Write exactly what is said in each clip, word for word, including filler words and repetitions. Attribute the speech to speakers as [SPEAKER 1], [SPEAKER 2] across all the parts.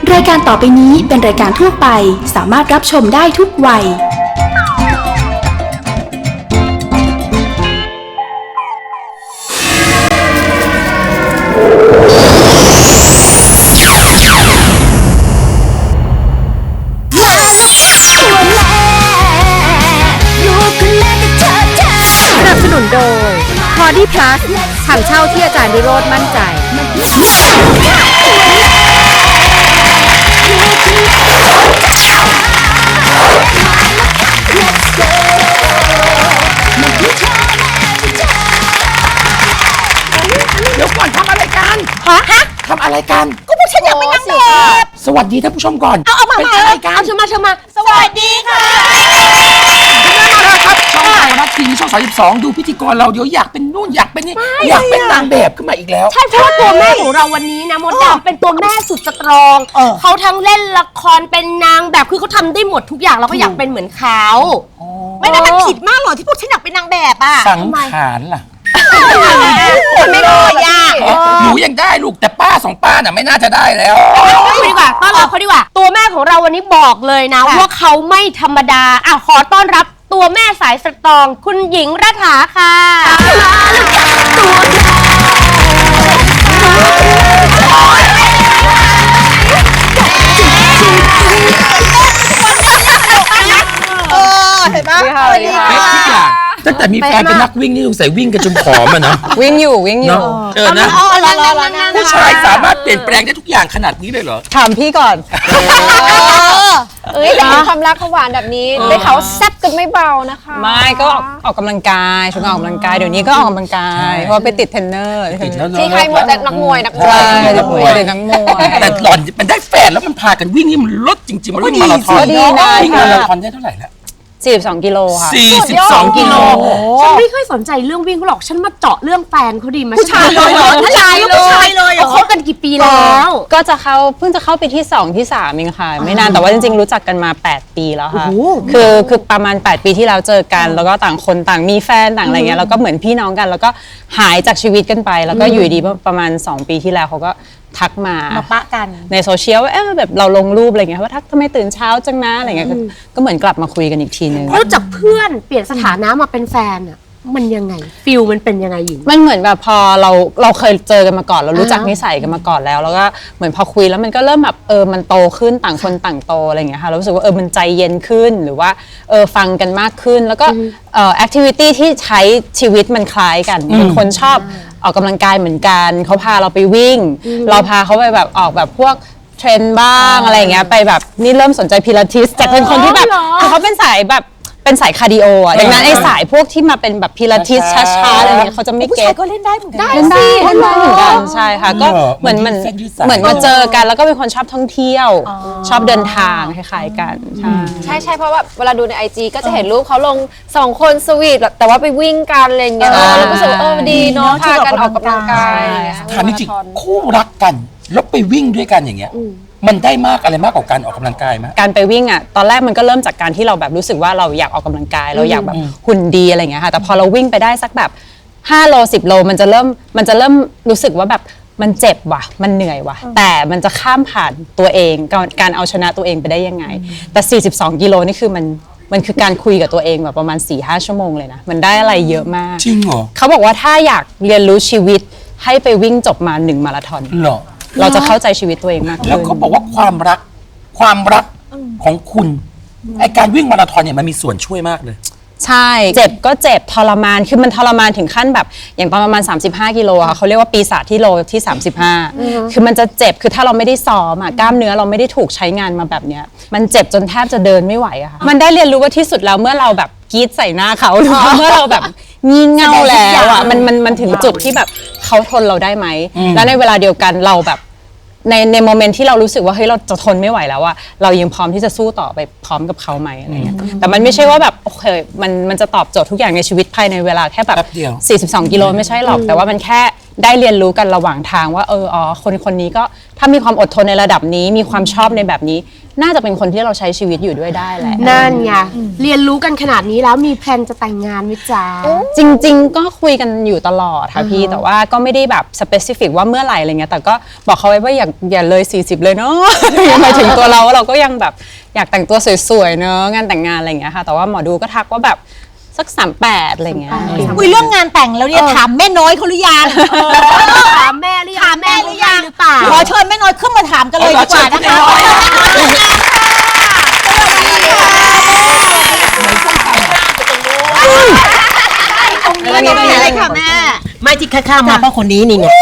[SPEAKER 1] รายการต่อไปนี้เป็นรายการทั่วไปสามารถรับชมได้ทุกวัย
[SPEAKER 2] สนับสนุนโดย พอดี้ Plus ถังเช่าที่อาจารย์วิโรจน์มั่นใจ
[SPEAKER 3] เดี๋ยวก่อนทำอะไรกัน
[SPEAKER 4] ฮะฮะ
[SPEAKER 3] ทำอะไรกัน
[SPEAKER 4] ก็พวกฉันอยากเป็นนางแบบ
[SPEAKER 3] สวัสดีท่านผู้ชมก่อน
[SPEAKER 4] เอาเอามา
[SPEAKER 3] เป็น
[SPEAKER 4] มา
[SPEAKER 3] อะไรกัน
[SPEAKER 4] เอาเชิญมาเชิญมาสวัสดีค่ะ
[SPEAKER 3] ครับช่องไทยรัฐทีวีช่องสามสิบสองดูพิธีกรเราเดี๋ยวอยากเป็นนู่นอยากเป็นนี่อยากเป็นนางแบบขึ้นมาอีกแล้ว
[SPEAKER 4] ใช่เพราะว่าตัวแม่ของเราวันนี้นะมดดำเป็นตัวแม่สุดสตรองเขาทั้งเล่นละครเป็นนางแบบคือเขาทำได้หมดทุกอย่างเราก็อยากเป็นเหมือนเขาไม่ได้มันผิดมากหรอที่พวกฉันอยากเป็นนางแบบอ่ะ
[SPEAKER 3] สังขารล่ะ
[SPEAKER 4] ไม่ได้ยาก
[SPEAKER 3] หนูยังได้ลูกแต่ป้าสองป้าน่ะไม่น่าจะได้แล้ว
[SPEAKER 4] เขาดีกว่าต้อนรับเขาดีกว่าตัวแม่ของเราวันนี้บอกเลยนะว่าเขาไม่ธรรมดาอ่ะขอต้อนรับตัวแม่สายสตรองคุณหญิงรัฐาค่ะเออเห็นปะสวัสดีค่ะ
[SPEAKER 3] เป๊ะทุกอย่างตั้งแต่มีแฟนเป็นนักวิ่งนี่สงสัยวิ่งกันจนผอมอะเนาะ
[SPEAKER 2] วิ่งอยู่วิ่งอยู่
[SPEAKER 3] เนาะเออนะ
[SPEAKER 4] อ๋อรอรอรอนั่ง
[SPEAKER 3] ผู้ชายสามารถเปลี่ยนแปลงได้ทุกอย่างขนาดนี้เลยเหรอ
[SPEAKER 2] ถามพี่ก่อน
[SPEAKER 5] เอ้ยแต่เห็นความรักเขาหวานแบบนี้ได้เขาวแซ่บกันไม่เบานะคะ
[SPEAKER 2] ไม่ก็ออกออกกำลังกายช่วงออกกำลังกายเดี๋ยวนี้ก็ออกกำลังกายเพราะว่าไปติดเทรนเนอร์
[SPEAKER 3] ติดแล้วเนอะ
[SPEAKER 5] ที่ใครหมดแต่นักมวยนักมว
[SPEAKER 2] ใช่
[SPEAKER 5] ย
[SPEAKER 2] นักมวยนักมวย
[SPEAKER 3] แต่หล่อนมันได้แฟนแล้วมันพากันวิ่งนี่มันลดจริงๆมันวิ่งมาราธอน
[SPEAKER 2] ก็ดีนะ
[SPEAKER 3] วิ่งมาราธอนได้เท่าไหร่แล้ว
[SPEAKER 2] สี่สิบสองกิโลค่ะ
[SPEAKER 3] สี่สิบสองกิโล
[SPEAKER 4] ฉันไม่ค่อยสนใจเรื่องวิ่งเขาหรอกฉันมาเจาะเรื่องแฟนเขาดีไหม
[SPEAKER 2] ผู้ชายเลย
[SPEAKER 4] ผู้ชายเลยผู้ชายเลยเขาคบกันกี่ปีแล้ว
[SPEAKER 2] ก็จะเข้าเพิ่งจะเข้าไปที่สองที่สามเองค่ะไม่นานแต่ว่าจริงๆรู้จักกันมาแปดปีแล้วค่ะคือคือประมาณแปดปีที่แล้วเจอกันแล้วก็ต่างคนต่างมีแฟนต่างอะไรเงี้ยแล้วก็เหมือนพี่น้องกันแล้วก็หายจากชีวิตกันไปแล้วก็อยู่ดีประมาณสองปีที่แล้วเขาก็ทักมา
[SPEAKER 4] มาปะกัน
[SPEAKER 2] ในโซเชียลว่าเออแบบเราลงรูปอะไรเงี้ยว่าทักทำไมตื่นเช้าจังนะอะไรเงี้ยก็ก็เหมือนกลับมาคุยกันอีกทีนึง
[SPEAKER 4] แล้วจากเพื่อนเปลี่ยนสถานะมาเป็นแฟนอ่ะมันยังไงฟิลมันเป็นยังไงหญิง
[SPEAKER 2] มันเหมือนแบบพอเราเราเคยเจอกันมาก่อนเรารู้จัก
[SPEAKER 4] อ่านิ
[SPEAKER 2] นิสัยกันมาก่อนแล้วแล้วก็เหมือนพอคุยแล้วมันก็เริ่มแบบเออมันโตขึ้นต่างคนต่างโตอะไรอย่างเงี้ยค่ะเรารู้สึกว่าเออมันใจเย็นขึ้นหรือว่าเออฟังกันมากขึ้นแล้วก็เอ่อแอคทิวิตี้ที่ใช้ชีวิตมันคล้ายกันเป็นคนชอบออกกำลังกายเหมือนกันเขาพาเราไปวิ่ง เราพาเขาไปแบบออกแบบพวกเทรนบ้างอะไรอย่างเงี้ยไปแบบนี่เริ่มสนใจพิลาทิสจากเป็นคนที่แบบคือเขาเป็นสายแบบเป็นสายคาร์ดิโออ่ะดังนั้นไอ้สายพวกที่มาเป็นแบบพิลาทิสช้าๆอะไรเงี้ยเขาจะไม่
[SPEAKER 4] ผู้
[SPEAKER 2] เก็
[SPEAKER 4] ชาย
[SPEAKER 2] ต
[SPEAKER 4] ก็เล่นได้เหมือนกัน
[SPEAKER 2] เล่นได้เล่นได้เหมือนกันใช่ค่ะก็
[SPEAKER 3] เหรอ
[SPEAKER 2] เหมือนมัน
[SPEAKER 3] มันยืดเส้นยืดสาย
[SPEAKER 2] เหมือนมาเจอกันแล้วก็เป็นคนชอบท่องเที่ยว ชอบเดินทางคล้ายๆกันใช่
[SPEAKER 5] ใช่ใช่เพราะว่าเวลาดูในไอจีก็จะเห็นรูปเขาลงสองคนสวีทแต่ว่าไปวิ่งกันอะไรอย่างเงี้ยแล้วก็รู้สึกว่าเออดีเนาะพากันออกกำลังกาย
[SPEAKER 3] ถามจริงๆคู่รักกันแล้วไปวิ่งด้วยกันอย่างเงี้ยมันได้มากอะไรมากกว่าการออกกำลังกายไหม
[SPEAKER 2] การไปวิ่งอ่ะตอนแรกมันก็เริ่มจากการที่เราแบบรู้สึกว่าเราอยากออกกำลังกายเราอยากแบบหุ่นดีอะไรอย่างเงี้ยค่ะแต่พอเราวิ่งไปได้สักแบบห้าโลสิบโลมันจะเริ่มมันจะเริ่มรู้สึกว่าแบบมันเจ็บว่ะมันเหนื่อยว่ะแต่มันจะข้ามผ่านตัวเองการการเอาชนะตัวเองไปได้ยังไงแต่สี่สิบสองกิโลนี่คือมันมันคือการคุยกับตัวเองแบบประมาณ สี่ห้า ชั่วโมงเลยนะมันได้อะไรเยอะมาก
[SPEAKER 3] จริงเหรอ
[SPEAKER 2] เขาบอกว่าถ้าอยากเรียนรู้ชีวิตให้ไปวิ่งจบมาหนึ่งมาราธอน
[SPEAKER 3] เหรอ
[SPEAKER 2] เราจะเข้าใจชีวิตตัวเองมากขึ้น
[SPEAKER 3] แล้วเขาบอกว่าความรักความรักของคุณไอการวิ่งมาราธอนเนี่ยมันมีส่วนช่วยมากเลย
[SPEAKER 2] ใช่ เจ็บก็เจ็บทรมานคือมันทรมานถึงขั้นแบบอย่างตอนประมาณสามสิบห้ากิโลค่ะเขาเรียกว่าปีศาจที่โลที่สามสิบห้าคือมันจะเจ็บคือถ้าเราไม่ได้ซ้อมอ่ะกล้ามเนื้อเราไม่ได้ถูกใช้งานมาแบบเนี้ยมันเจ็บจนแทบจะเดินไม่ไหวอะค่ะมันได้เรียนรู้ว่าที่สุดแล้วเมื่อเราแบบกรี๊ดใส่หน้าเขาหรือว่าเมื่อเราแบบงี่เง่าแล้วอ่ะมันมันมันถึงจุดที่แบบเขาทนเราได้ไหมแล้วในเวลาเดียวกันเราแบบในในโมเมนต์ที่เรารู้สึกว่าเฮ้ยเราจะทนไม่ไหวแล้วอะเรายังพร้อมที่จะสู้ต่อไปพร้อมกับเขาไหมอะไรเงี้ยแต่มันไม่ใช่ว่าแบบโอเคมันมันจะตอบโจทย์ทุกอย่างในชีวิตภายในเวลาแค่แบบ
[SPEAKER 3] แป๊บเดียว
[SPEAKER 2] สี่สิบสองกิโลไม่ใช่หรอกแต่ว่ามันแค่ได้เรียนรู้กันระหว่างทางว่าเอออ๋อคนคนนี้ก็ถ้ามีความอดทนในระดับนี้มีความชอบในแบบนี้น่าจะเป็นคนที่เราใช้ชีวิตอยู่ด้วยได้แหละ
[SPEAKER 4] นั่นไงเรียนรู้กันขนาดนี้แล้วมีแพลนจะแต่งงานไหมจ๊ะ
[SPEAKER 2] จริงๆก็คุยกันอยู่ตลอดค่ะพี่แต่ว่าก็ไม่ได้แบบสเปซิฟิกว่าเมื่อไหร่อะไรเงี้ยแต่ก็บอกเขาไว้ว่าอย่าอย่าเลยสี่สิบเลยเนาะ หมายถึงตัวเราเราก็ยังแบบอยากแต่งตัวสวยๆเนาะงานแต่งงานอะไรเงี้ยค่ะแต่ว่าหมอดูก็ทักว่าแบบสักสามแปดอะไรเงี้ย
[SPEAKER 6] คุยเรื่องงานแต่งแล้วเนี่ยถามแม่น้อยเขาหรือยัง
[SPEAKER 4] ถามแม่หรือยัง
[SPEAKER 6] ถามแม่หรือยัง
[SPEAKER 4] หรือเปล่า
[SPEAKER 6] ขอเชิญแม่น้อยขึ้นมาถามกันเลยดีกว่านะคะตรงนี้ตรงนี้เลยค่ะแม่
[SPEAKER 7] ไม่ที่ข้ามมาเพราะคนนี้นี่ไง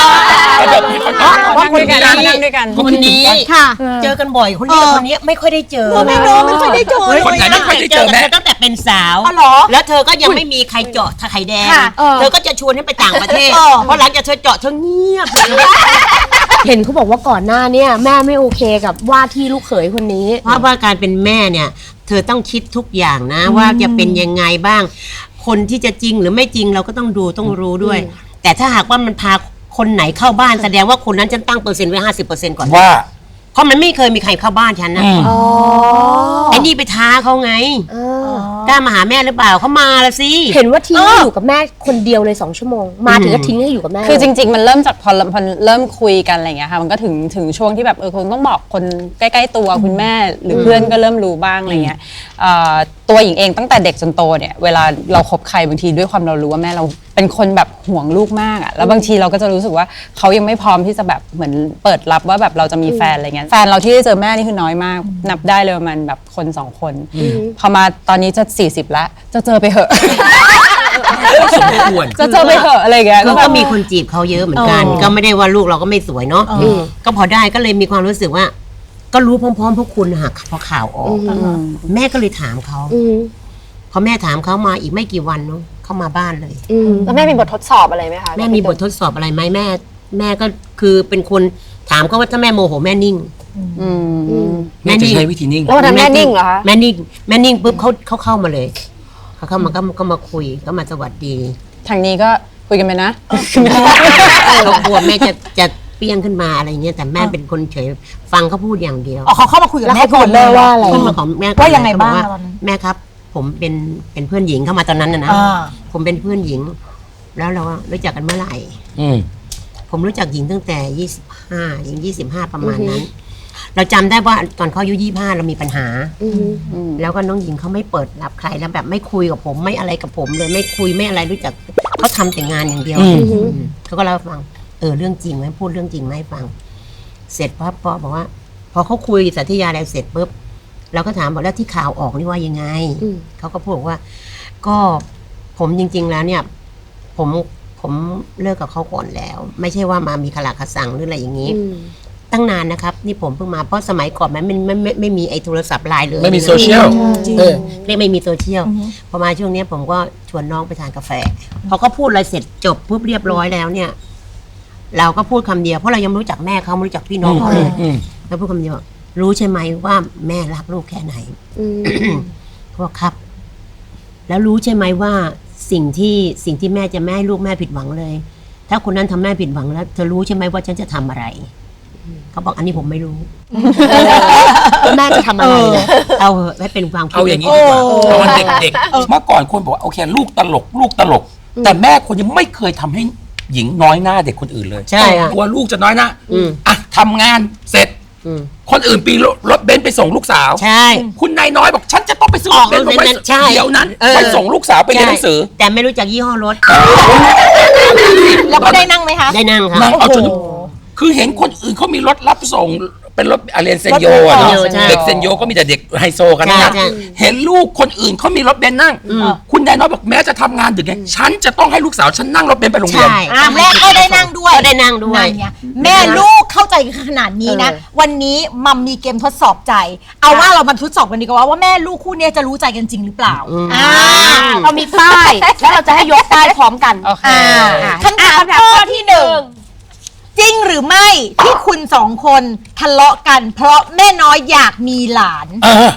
[SPEAKER 2] ว่าคุยกันนั่งด้วยกัน
[SPEAKER 7] คนนี้
[SPEAKER 6] ค่ะ
[SPEAKER 7] เจอกันบ่อยคนนี้คนนี้ไม่ค่อยได้เจอ
[SPEAKER 6] แม่น้อยไม่ค่อยได้เจอ
[SPEAKER 3] คนไหนไม่ค่อยได้เจอแม่
[SPEAKER 7] ตั้งแต่เป็นสาว
[SPEAKER 6] อ๋อเหรอ
[SPEAKER 7] แล้วเธอก็ยังไม่มีใครเจาะไข่แดง
[SPEAKER 6] ค่ะ
[SPEAKER 7] เธอก็จะชวนให้ไปต่างประเทศ
[SPEAKER 6] เออ
[SPEAKER 7] เพราะหลังจากเธอเจาะเธอเงียบ
[SPEAKER 4] เห็นเขาบอกว่าก่อนหน้าเนี่ยแม่ไม่โอเคกับว่าที่ลูกเขยคนนี้
[SPEAKER 7] เพราะว่าการเป็นแม่เนี่ย เธอต้องคิดทุกอย่างนะ ว่าจะเป็นยังไงบ้าง คนที่จะจริงหรือไม่จริงเราก็ต้องดูต้องรู้ด้วย แต่ถ้าหากว่ามันพาคนไหนเข้าบ้านแสดงว่าคนนั้นฉันตั้งเปอร์เซ็นต์ไว้ห้าสิบเปอร์เซ็นต์ก่อน
[SPEAKER 3] ว่า
[SPEAKER 7] เพราะมันไม่เคยมีใครเข้าบ้านฉันนะ
[SPEAKER 3] อืม
[SPEAKER 7] ไอ้นี่ไปท้าเขาไงกล้ามาหาแม่หรือเปล่าเขามาละสิ
[SPEAKER 4] เห็นว่าทิ้งให้อยู่กับแม่คนเดียวเลยสองชั่วโมง มาถึงก็ทิ้งให้อยู่กับแม่
[SPEAKER 2] คือจริงๆ มันเริ่มจากพอพอเริ่มคุยกันอะไรอย่างเงี้ยค่ะมันก็ถึงถึงช่วงที่แบบเออคงต้องบอกคนใกล้ๆตัวคุณแม่หรือเพื่อนก็เริ่มรู้บ้างอะไรเงี้ยเอ่อตัวหญิงเองตั้งแต่เด็กจนโตเนี่ยเวลาเราคบใครบางทีด้วยความเรารู้ว่าแม่เราเป็นคนแบบห่วงลูกมากอะแล้วบางทีเราก็จะรู้สึกว่าเขายังไม่พร้อมที่จะแบบเหมือนเปิดรับว่าแบบเราจะมีแฟนอะไรเงี้ยแฟนเราที่ได้เจอแม่นี่คือน้อยมากนับได้เลยประมาณแบบคนสองคนพอมาตอนนี้จะสี่สิบแล้วจะเจอไปเหอะ
[SPEAKER 3] สมควร
[SPEAKER 2] จะเจอไปเหอะอะไรอย่างเงี้ย
[SPEAKER 7] ก็
[SPEAKER 2] แบบ
[SPEAKER 7] มีคนจีบเขาเยอะเหมือนกัน ก็ไม่ได้ว่าลูกเราก็ไม่สวยเนาะก็พอได้ก็เลยมีความรู้สึกว่า ก็รู้พร้อมๆพวกคุณค่ะพอข่าวออกแม่ก็เลยถามเขาพอแม่ถามเขามาอีกไม่กี่วันเนาะเขามาบ้านเลย
[SPEAKER 5] แล้วแม่มีบททดสอบอะไรไหมคะ
[SPEAKER 7] แม่มีบททดสอบอะไรไหมแม่ แม่ก็คือเป็นคนถามเขาว่าถ้าแม่โมโหแม่นิ่ง
[SPEAKER 3] แม่จะใช้วิธีนิ่ง
[SPEAKER 5] แล้ววันนั้นแม่นิ่งเหรอคะ
[SPEAKER 7] แม่นิ่งแม่นิ่งปุ๊บเขาเขาเข้ามาเลยเขาเข้ามาก็ก็มาคุยก็มาสวัสดี
[SPEAKER 2] ทางนี้ก็คุยกันไปนะ
[SPEAKER 7] เขากลัวแม่จะจะเปี้ยงขึ้นมาอะไรเงี้ยแต่แม่เป็นคนเฉยฟังเขาพูดอย่างเดียว
[SPEAKER 6] อ๋อเขาเข้ามาคุยกับแม่ก่อนเลยว่าอะไร
[SPEAKER 7] ขึ้นมาของแม่
[SPEAKER 6] ว่ายังไงบ้าง
[SPEAKER 7] เขอ
[SPEAKER 6] ตอนนั้น
[SPEAKER 7] แม่ครับ ผมเป็นเป็นเพื่อนหญิงเข้ามาตอนนั้นนะนะ
[SPEAKER 6] อ่า
[SPEAKER 7] ผมเป็นเพื่อนหญิง แล้วเรารู้จักกันเมื่อไหร่
[SPEAKER 3] อืม
[SPEAKER 7] ผมรู้จักหญิงตั้งแต่ยี่สิบห้าหญิงยี่สิบห้าประมาณนั้น เราจำได้ว่าตอนเขาอายุยี่ห้าเรามีปัญหาแล้วก็น้องหญิงเขาไม่เปิดรับใครแล้วแบบไม่คุยกับผมไม่อะไรกับผมเลยไม่คุยไม่อะไรรู้จักเขาทำแต่งานอย่างเดียว
[SPEAKER 3] อืม
[SPEAKER 7] อืมเขาก็เล่าให้ฟังเออเรื่องจริงไหมพูดเรื่องจริงไหมให้ฟัง เสร็จปั๊บพอบอกว่า พอเขาคุยสาธยายอะไรเสร็จปุ๊บเราก็ถามบอกแล้วที่ข่าวออกนี่ว่ายังไงเขาก็พูดว่า ก็ผมจริง ๆ แล้วเนี่ย ผมผมเลิกกับเขาก่อนแล้ว ไม่ใช่ว่ามามีขลาคสังหรืออะไรอย่างนี้ ตั้งนานนะครับ นี่ผมเพิ่งมาเพราะสมัยก่อนมันไม่ไม่ไม่ไม่มีไอ้โทรศัพท์ไลน์เลย
[SPEAKER 3] ไม่มีโซเชียลเออ
[SPEAKER 7] เรียกไม่มีโซเชียลพอมาช่วงเนี้ยผมก็ชวนน้องไปทานกาแฟพอเขาพูดอะไรเสร็จจบปุ๊บเรียบร้อยแล้วเนี่ย เราก็พูดคำเดียวเพราะเรายังไม่รู้จักแม่เขาไม่รู้จักพี่น้องเขาเลย
[SPEAKER 3] อืม
[SPEAKER 7] แล้วพูดคำเดียวรู้ใช่ไหมว่าแม่รักลูกแค่ไหนเขาบอกครับ แล้วรู้ใช่ไหมว่าสิ่งที่สิ่งที่แม่จะไม่ให้ลูกแม่ผิดหวังเลย ถ้าคนนั้นทำแม่ผิดหวังแล้วเธอรู้ใช่ไหมว่าฉันจะทำอะไรเขาบอกอันนี้ผมไม่รู้
[SPEAKER 4] แม่จะทำอะไรนะ
[SPEAKER 7] เอาเหอะให้เป็นความคิด
[SPEAKER 3] เอาอย่างนี้ดีกว่าตอนเด็กๆเมื่อก่อนคนบอกว่าโอเคลูกตลก ลูกตลก แต่แม่คนยังไม่เคยทำให้หญิงน้อยหน้าเด็กคนอื่นเลย
[SPEAKER 7] ใช่อะ
[SPEAKER 3] กลัวลูกจะน้อยหน้า
[SPEAKER 7] อืม
[SPEAKER 3] อ่ะทำงานเสร็จ
[SPEAKER 7] อืม
[SPEAKER 3] คนอื่นปีนรถเบนซ์ไปส่งลูกสาว
[SPEAKER 7] ใช่
[SPEAKER 3] คุณนายน้อยบอกฉันจะต้องไปซื้อรถเบนซ์
[SPEAKER 7] ออกรถเบนซ์
[SPEAKER 3] ไป
[SPEAKER 7] ใช่
[SPEAKER 3] เดี๋ยวนั้น
[SPEAKER 7] เออ
[SPEAKER 3] ไปส่งลูกสาวไปเรียนหนังสือ
[SPEAKER 7] แต่ไม่รู้จักยี่ห้อรถ
[SPEAKER 6] แล้วก็ได้นั่งไหมคะ
[SPEAKER 7] ได้นั่งค่ะ
[SPEAKER 3] นางเอาจนคือเห็นคนอื่นเขามีรถรับส่งเป็นรถอาเรียนเซนโยอะเนาะ
[SPEAKER 7] ใช่
[SPEAKER 3] เด็กเซนโยก็มีแต่เด็กไฮโซกันนะ
[SPEAKER 7] ใช่ใช่
[SPEAKER 3] เห็นลูกคนอื่นเขามีรถเบนซ์นั่ง คุณนายน้อยบอกแม้จะทำงานดึกไงฉันจะต้องให้ลูกสาวฉันนั่งรถเบนซ์ไปโรงเรียน
[SPEAKER 7] ใช่
[SPEAKER 6] อ่ะแม่ก็ได้นั่งด้วย
[SPEAKER 7] ก็ได้นั่งด้วย
[SPEAKER 6] นั่นไงแม่ลูกเข้าใจขนาดนี้นะ วันนี้มัมมีเกมทดสอบใจ เอาว่าเรามาทดสอบกันดีกว่าว่าแม่ลูกคู่เนี้ยจะรู้ใจกันจริงหรือเปล่า
[SPEAKER 4] อ่าเรามีป้ายแล้วเราจะให้ยกป้ายพร้อมกัน
[SPEAKER 2] โอเค
[SPEAKER 6] อ่าคำถามข้อที่หนึ่งจริงหรือไม่ที่คุณสองคนทะเลาะกัน เพราะแม่น้อยอยากมีหลาน
[SPEAKER 3] เออ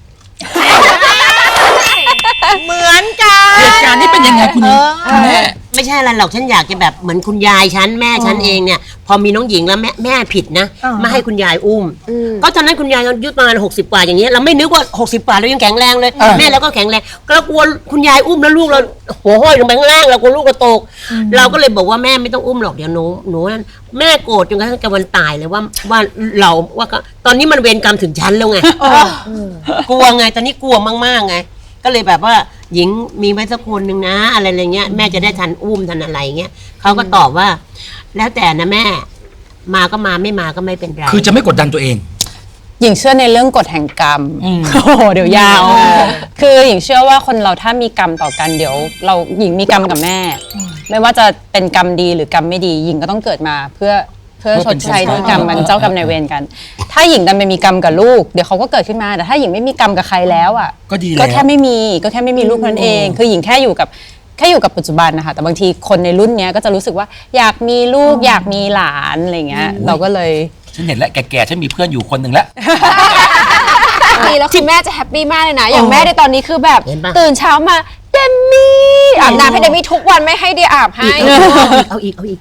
[SPEAKER 6] เหมือนกัน
[SPEAKER 3] เหตุการณ์นี้เป็นยังไงคุณ
[SPEAKER 6] เออ
[SPEAKER 3] คุณแม่
[SPEAKER 8] จ
[SPEAKER 7] ไม่ใช่อะไรหรอกฉันอยากจะแบบเหมือนคุณยายฉันแม่ฉันเองเนี่ย พอมีน้องหญิงแล้วแม่แม่ผิดนะไม่ให้คุณยายอุ้มก็ตอนนั้นคุณยายอายุประมาณหกสิบกว่าอย่างเงี้ยเราไม่นึกว่าหกสิบกว่าเรายังแข็งแรงเลยแม่เราก็แข็งแรงเรากลัวคุณยายอุ้มแล้วลูกเราหัวห้อยลงไปข้างล่างเรากลัวลูกเราตกเราก็เลยบอกว่าแม่ไม่ต้องอุ้มหรอกเดี๋ยวหนูหนูนั่นแม่โกรธจนกระทั่งจะวันตายเลยว่าว่าเราว่าตอนนี้มันเวรกรรมถึงฉันแล้วไงกลัวไงตอนนี้กลัวมากๆไงก็เลยแบบว่าหญิงมีไว้สักคนหนึ่งนะอะไรอะไรเงี้ยแม่จะได้ทันอุ้มทันอะไรเงี้ยเขาก็ตอบว่า แล้วแต่นะแม่มาก็มาไม่มาก็ไม่เป็นไร
[SPEAKER 3] คือจะไม่กดดันตัวเอง
[SPEAKER 2] หญิงเชื่อในเรื่องกฎแห่งกรรมโอ้โหเดี๋ยวยาว คือหญิงเชื่อว่าคนเราถ้ามีกรรมต่อกันเดี๋ยว เราหญิงมีกรรมกับแม่ ไม่ว่าจะเป็นกรรมดีหรือกรรมไม่ดีหญิงก็ต้องเกิดมาเพื่อเพื่อชดใช้ด้วยกรรมมันเจ้ากรรมนายเวรกัน ถ้าหญิงดันไปมีกรรมกับลูกเดี๋ยวเขาก็เกิดขึ้นมาแต่ถ้าหญิงไม่มีกรรมกับใครแล้วอ่ะ
[SPEAKER 3] ก็ดีแล้ว
[SPEAKER 2] ก็แค่ไม่มีก็แค่ไม่มีลูกนั้นเอง คือหญิงแค่อยู่กับแค่อยู่กับปัจจุบันนะคะแต่บางทีคนในรุ่นเนี้ยก็จะรู้สึกว่าอยากมีลูกอยากมีหลานอะไรเงี้ยเราก็เลย
[SPEAKER 3] ฉันเห็นแล้วแก่ๆฉันมีเพื่อนอยู่คนหนึ่งแล้ว
[SPEAKER 5] ดีแล้วคุณแม่จะแฮปปี้มากเลยนะ อย่างแม่ในตอนนี้คือแบบ
[SPEAKER 7] เห็นปะ
[SPEAKER 5] ตื่นเช้ามาเดมี่อาบน้ำให้เดมี่ทุกวันไม่ให้เดียอาบให้
[SPEAKER 7] เอาอีกเอาอีก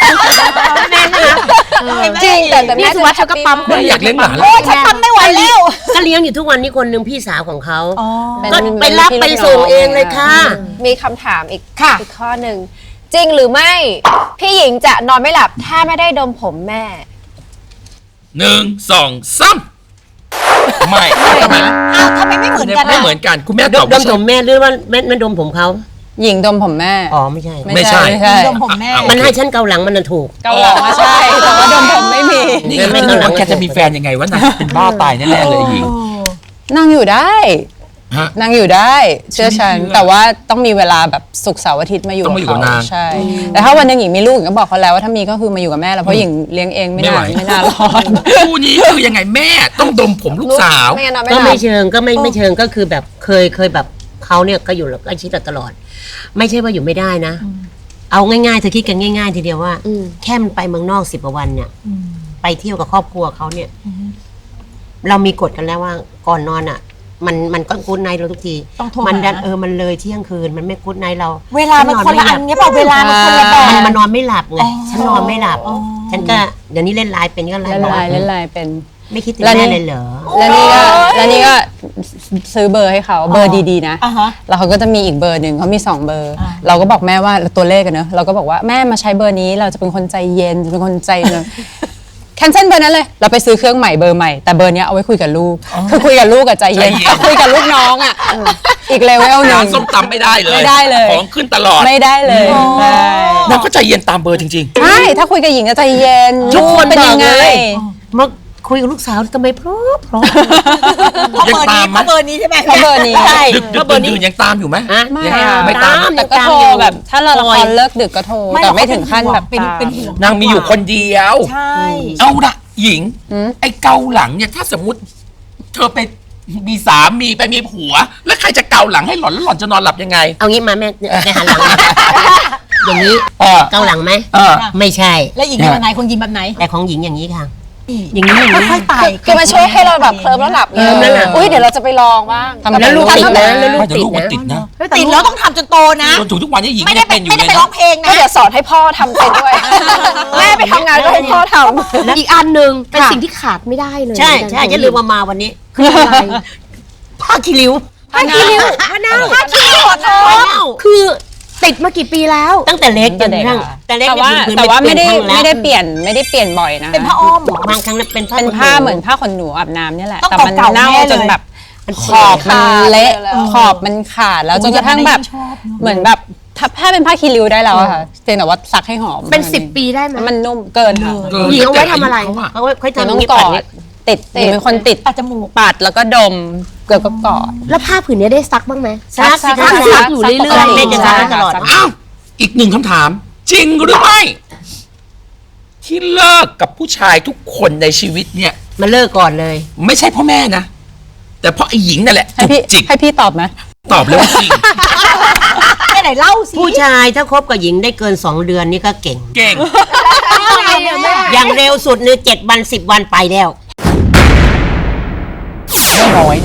[SPEAKER 5] จริงแต่แต่แม่
[SPEAKER 4] นี่สุวัสดิ์เธอก็ปั๊ม
[SPEAKER 3] แม่อยากเลี้ยงหลาน
[SPEAKER 6] โอ้ยฉันทำไม่ไหวแล้ว
[SPEAKER 7] ก็เลี้ยงอยู่ทุกวันนี้คนหนึ่งพี่สาวของเขา
[SPEAKER 2] เป็น
[SPEAKER 7] ก็ไปรับ
[SPEAKER 2] เป็น
[SPEAKER 7] ไป
[SPEAKER 2] พี่
[SPEAKER 7] ส่ง
[SPEAKER 2] น้อง
[SPEAKER 7] เองเลยค่ะ
[SPEAKER 5] มีคำถามอีก
[SPEAKER 6] ค่ะ
[SPEAKER 5] อีกข้อหนึ่งจริงหรือไม่ พี่หญิงจะนอนไม่หลับถ้าไม่ได้ดมผมแม่
[SPEAKER 3] หนึ่งสองสามไม่ทำไม
[SPEAKER 6] อ้าวทำไมไม่เหมือนกัน
[SPEAKER 3] ไม่
[SPEAKER 6] อะ
[SPEAKER 3] เหมือนกันคุณแม่
[SPEAKER 7] ด
[SPEAKER 3] ตอ
[SPEAKER 7] ม
[SPEAKER 3] บ
[SPEAKER 7] ด
[SPEAKER 3] ว่าม
[SPEAKER 7] ผมแม่หรือว่าแม่แม่ดมผมเขา
[SPEAKER 2] หญิงดมผมแม่
[SPEAKER 7] อ๋อไม่ใช่
[SPEAKER 3] ไม่ใช่
[SPEAKER 2] ไม่ใช่
[SPEAKER 6] ดมผมแม่
[SPEAKER 7] มันให้ฉันเกาหลังมันน่ะถูก
[SPEAKER 2] เกาหลังว่าใช่แต่ว่าดมผมไม่มี
[SPEAKER 3] นี่ไม่รู้ว่าแกจะมีแฟนยังไงวะนางเป็นบ้าตายแน่ๆเลยหญิง
[SPEAKER 2] นั่งอยู่ได้
[SPEAKER 3] ฮะ
[SPEAKER 2] นั่งอยู่ได้เชื่อฉัน
[SPEAKER 3] ไม่เชื่อ
[SPEAKER 2] แต่ว่าต้องมีเวลาแบบศุกร์เสาร์อาทิตย์มาอยู่
[SPEAKER 3] ต้องมาอยู่กับ
[SPEAKER 2] เขา
[SPEAKER 3] นาง
[SPEAKER 2] ใช่ แต่ถ้าวันหนึงหญิงมีลูกหญิงก็บอกเขาแล้วว่าถ้ามีก็คือมาอยู่กับแม่แล้วเพราะหญิงเลี้ยงเองไม่
[SPEAKER 3] ไม่
[SPEAKER 2] นา
[SPEAKER 3] ไหว
[SPEAKER 2] นไม่นานรอด
[SPEAKER 3] คู่นี้คือยังไงแม่ต้องดมผมลูกสาว
[SPEAKER 5] ไม่งั้นนอนไม่
[SPEAKER 7] ก็
[SPEAKER 5] หลั
[SPEAKER 7] ไม่
[SPEAKER 5] บ
[SPEAKER 7] เชิงก็ไม่ไม่เชิงก็คือแบบเคยเคยแบบเขาเนี่ยก็อยู่ใกล้ชิดเราตลอด ไม่ใช่ว่าอยู่ไม่ได้นะ เอาง่ายๆเธอคิดกันง่าย ๆ ทีเดียวว่า
[SPEAKER 5] อืม
[SPEAKER 7] แค่มันไปเมืองนอกสิบกว่าวันเนี่ยไปเที่ยวกับครอบครัวเขาเนี่ย เรามีกฎกันแล้วว่าก่อนนอนอ่ะ มันมันก็กู๊ดไนท์เราทุกที
[SPEAKER 6] ต้องโทร
[SPEAKER 7] มันดัน
[SPEAKER 6] หา
[SPEAKER 7] เออมันเลยเที่ยงคืนมันไม่กู๊ดไนท์เรา
[SPEAKER 6] เวลามันคนละอันเงี้ยเปล่าเวลามันคนละแบ
[SPEAKER 7] มัน
[SPEAKER 6] บ
[SPEAKER 7] มันนอนไม่หลับไงฉันนอนไม่หลับ ฉันก็เดี๋ยวนี้เล่นไลน์เป็นก็ไล
[SPEAKER 2] เล่น
[SPEAKER 7] น์
[SPEAKER 2] ไลน์เล่นไลน์เป็น
[SPEAKER 7] ไม่คิดถึง
[SPEAKER 2] แล้วนี่
[SPEAKER 7] แม่เลยเหรอ
[SPEAKER 2] แล้วนี่ก็แล้วนี่ก็ซื้อเบอร์ให้เขาเบอร์ดีๆนะ
[SPEAKER 6] อ่าฮะ
[SPEAKER 2] แล้วเขาก็จะมีอีกเบอร์หนึ่งเขามีสองเบอร์ เราก็บอกแม่ว่าตัวเลขกันเนอะเราก็บอกว่าแม่มาใช้เบอร์นี้เราจะเป็นคนใจเย็นจะเป็นคนใจเลย แคนเซิลเบอร์นั้นเลยเราไปซื้อเครื่องใหม่เบอร์ใหม่แต่เบอร์เนี้ยเอาไว้คุยกับลูกคือคุยกับลูกกับใจเย็น
[SPEAKER 3] ใจเย็น
[SPEAKER 2] คุยกับลูกน้องอ่ะอีกเลเวลหนึ่
[SPEAKER 3] ร้าง นส้มตำไม่ได้เลย
[SPEAKER 2] ไม่ได้เลย
[SPEAKER 3] ของขึ้นตลอด
[SPEAKER 2] ไม่ได้เลยใช่
[SPEAKER 3] นางก็ใจเย็นตามเบอร์จริง
[SPEAKER 2] ใช่ถ้าคุยกับหญิงจะใจเย็น
[SPEAKER 7] ทุกคน
[SPEAKER 2] เป็น
[SPEAKER 7] บอ
[SPEAKER 2] ยั
[SPEAKER 7] ก
[SPEAKER 2] งไง
[SPEAKER 7] เลยมาคุยกับลูกสาวทำไมเพราะเพราะ
[SPEAKER 6] เพราะเบอร์นี้เพราะเบอร์นี้ใช่ไหม
[SPEAKER 2] เพราะเบอร์นี้
[SPEAKER 6] ใช่
[SPEAKER 3] ๆ ดึกดึกดื่นๆยังตามอยู่ไหม
[SPEAKER 7] อะ
[SPEAKER 2] ไม่
[SPEAKER 7] ยัง
[SPEAKER 2] อะ
[SPEAKER 3] ไม่ตาม
[SPEAKER 2] แต่ก็โทรแบบถ้าเราละครเลิกดึกก็โทร
[SPEAKER 6] ไม่
[SPEAKER 2] แต่
[SPEAKER 6] หรอก
[SPEAKER 2] ไม่ถึงขั้นแบบ
[SPEAKER 6] เป็น
[SPEAKER 2] ตาม
[SPEAKER 6] เป็นห่วง
[SPEAKER 3] นางมีอยู่คนเดียว
[SPEAKER 6] ใช่
[SPEAKER 3] เอาละหญิง ไอ้เกาหลังเนี่ยถ้าสมมติ เธอไปมีสามีไปมีผัว แล้วใครจะเกาหลังให้หล่อนแล้วหล่อนจะนอนหลับยังไง
[SPEAKER 7] เอางี้มาแม่แม่หันหลังมาอย่างนี้
[SPEAKER 3] เออ
[SPEAKER 7] เกาหลังไหม
[SPEAKER 3] เออ
[SPEAKER 7] ไม่ใช่
[SPEAKER 6] แล้วหญิงเป็นแบบไหนคนยิงแบบไหน
[SPEAKER 7] แต่ของหญิงอย่างนี้ค่ะ อย่างนี้อย่างนี้
[SPEAKER 6] ค่อยๆไต่
[SPEAKER 5] คือมันช่วยให้เราแบบเคลิ้มแล้วหลับ
[SPEAKER 2] เคลิ้มแล้วหลับ
[SPEAKER 5] อุ้ยเดี๋ยวเราจะไปลองบ้าง
[SPEAKER 2] ทำ
[SPEAKER 7] แล้วลูกติดนะแล้วลู
[SPEAKER 3] ไม่
[SPEAKER 7] ก
[SPEAKER 3] แต่
[SPEAKER 7] ติด
[SPEAKER 3] ลูกมัน
[SPEAKER 7] นะ
[SPEAKER 3] ติดนะ
[SPEAKER 6] ติดแล้วต้องทำจนโตนะ
[SPEAKER 3] จนถึงทุกวันนี้หญิง
[SPEAKER 6] ไม่
[SPEAKER 3] ก็
[SPEAKER 6] ได้
[SPEAKER 3] ยัง
[SPEAKER 6] ไป
[SPEAKER 3] เป็นอยู่
[SPEAKER 6] ไม่ได้
[SPEAKER 3] เลย
[SPEAKER 6] ไปร้อ
[SPEAKER 3] นะ
[SPEAKER 6] งเพลง
[SPEAKER 5] ก็
[SPEAKER 6] นะ
[SPEAKER 5] เดี๋ยวสอนให้พ่อทำเป็นด้วย แม่ไปทำงานก็ให้พ่อทำ
[SPEAKER 4] อีกอันหนึ่งเป็นสิ่งที่ขาดไม่ได้เลย
[SPEAKER 7] ใช่ใช่จะลืมมามาวันนี้ผ้าคีริ้ว
[SPEAKER 4] ผ้าคีริ้วผ้าหน้าผ้าคีริ้วเธอคือติดมากี่ปีแล้ว
[SPEAKER 7] ตั้งแต่เล็กจนกระทั่ง
[SPEAKER 2] แต่
[SPEAKER 7] แต่เล็ก
[SPEAKER 2] ว่า
[SPEAKER 7] พื้นๆ
[SPEAKER 2] แต่ว่าไม่ได้
[SPEAKER 7] เป็นครั้งแล้ว
[SPEAKER 2] ไม่ได้เปลี่ยนไม่ได้เปลี่ยนบ่อยนะ
[SPEAKER 6] เป็นผ้าอ้อมเหรอ
[SPEAKER 7] บางครั้งเป็นผ้า
[SPEAKER 2] เป็น
[SPEAKER 7] ขน
[SPEAKER 2] ผ้า
[SPEAKER 7] หนู
[SPEAKER 2] เหมือนผ้าขนหนูอาบน้ำเนี่ยแหละ
[SPEAKER 6] ต้อง
[SPEAKER 2] แต่มัน
[SPEAKER 6] เก่าๆ
[SPEAKER 2] เน่า
[SPEAKER 6] แน่เลย
[SPEAKER 2] จนแบบขอบมันเละ
[SPEAKER 5] เลย
[SPEAKER 2] ขอบมันขาดแล้วจนกระทั่งแบบเหมือนแบบถ้าผ้าเป็นผ้าคีริ้วได้แล้วอะค่ะเพียงแต่ว่าซักให้หอม
[SPEAKER 4] เป็นสิบปีได้ไหม
[SPEAKER 2] มันนุ่มเกินค่ะ
[SPEAKER 3] เกิน
[SPEAKER 4] หญิงเอาไว้ทำอะไร
[SPEAKER 3] เขาอะ
[SPEAKER 7] เขาค่อย
[SPEAKER 2] มัน
[SPEAKER 7] ทำ
[SPEAKER 2] ต้อง
[SPEAKER 7] นี้
[SPEAKER 2] ก
[SPEAKER 7] ปั
[SPEAKER 2] อ
[SPEAKER 7] ด
[SPEAKER 2] ด
[SPEAKER 7] นี้
[SPEAKER 2] ติดหญิงเป็นคนติด
[SPEAKER 6] ปัดจมูก
[SPEAKER 2] ปัดแล้วก็ดมเกลือก็กอด
[SPEAKER 4] แล้วผ้าผืนนี้ได้ซักบ้างไหม
[SPEAKER 7] ซักสิ
[SPEAKER 2] ซั
[SPEAKER 7] คะ
[SPEAKER 2] ก
[SPEAKER 4] ซักอยู่เรื่อยๆ
[SPEAKER 7] แม่จะซักตลอด
[SPEAKER 3] อ้าวอีกหนึ่งคำถาม จริงหรือไม่ ที่เลิกกับผู้ชายทุกคนในชีวิตเนี่ย
[SPEAKER 7] มาเลิกก่อนเลย
[SPEAKER 3] ไม่ใช่เพราะแม่นะ แต่เพราะไอ้หญิงนั่นแหละ
[SPEAKER 2] ให้
[SPEAKER 3] จุก
[SPEAKER 2] พี่
[SPEAKER 3] จิก
[SPEAKER 2] ให้พี่ตอบไหม
[SPEAKER 3] ตอบเลยว่าจริง
[SPEAKER 6] ไม่ไหนเล่าสิ
[SPEAKER 7] ผู้ชายถ้าคบกับหญิงได้เกินสองเดือนนี่ก็เก่ง
[SPEAKER 3] เก่ง
[SPEAKER 7] อย่างเร็วสุดเนี่ยเจ็ดวันสิบวันไปแล้ว
[SPEAKER 3] แม่น้อยเนี่ย เค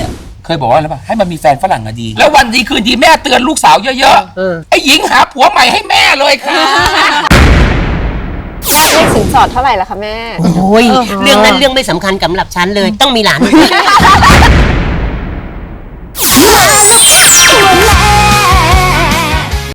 [SPEAKER 3] เคยบอกว่าอะไรป่ะให้มันมีแฟนฝรั่งอะดี แล้ววันดีคืนดีแม่เตือนลูกสาวเยอะ
[SPEAKER 7] เออ
[SPEAKER 3] ๆไอ้หญิงหาผัวใหม่ให้แม่เลยค่ะ
[SPEAKER 5] เลขสินสอดเท่าไหร่ล่ะคะแม่
[SPEAKER 7] โอ้ยเรื่องนั้นเรื่องไม่สำคัญสำหรับฉันเลย ต้องมีหลาน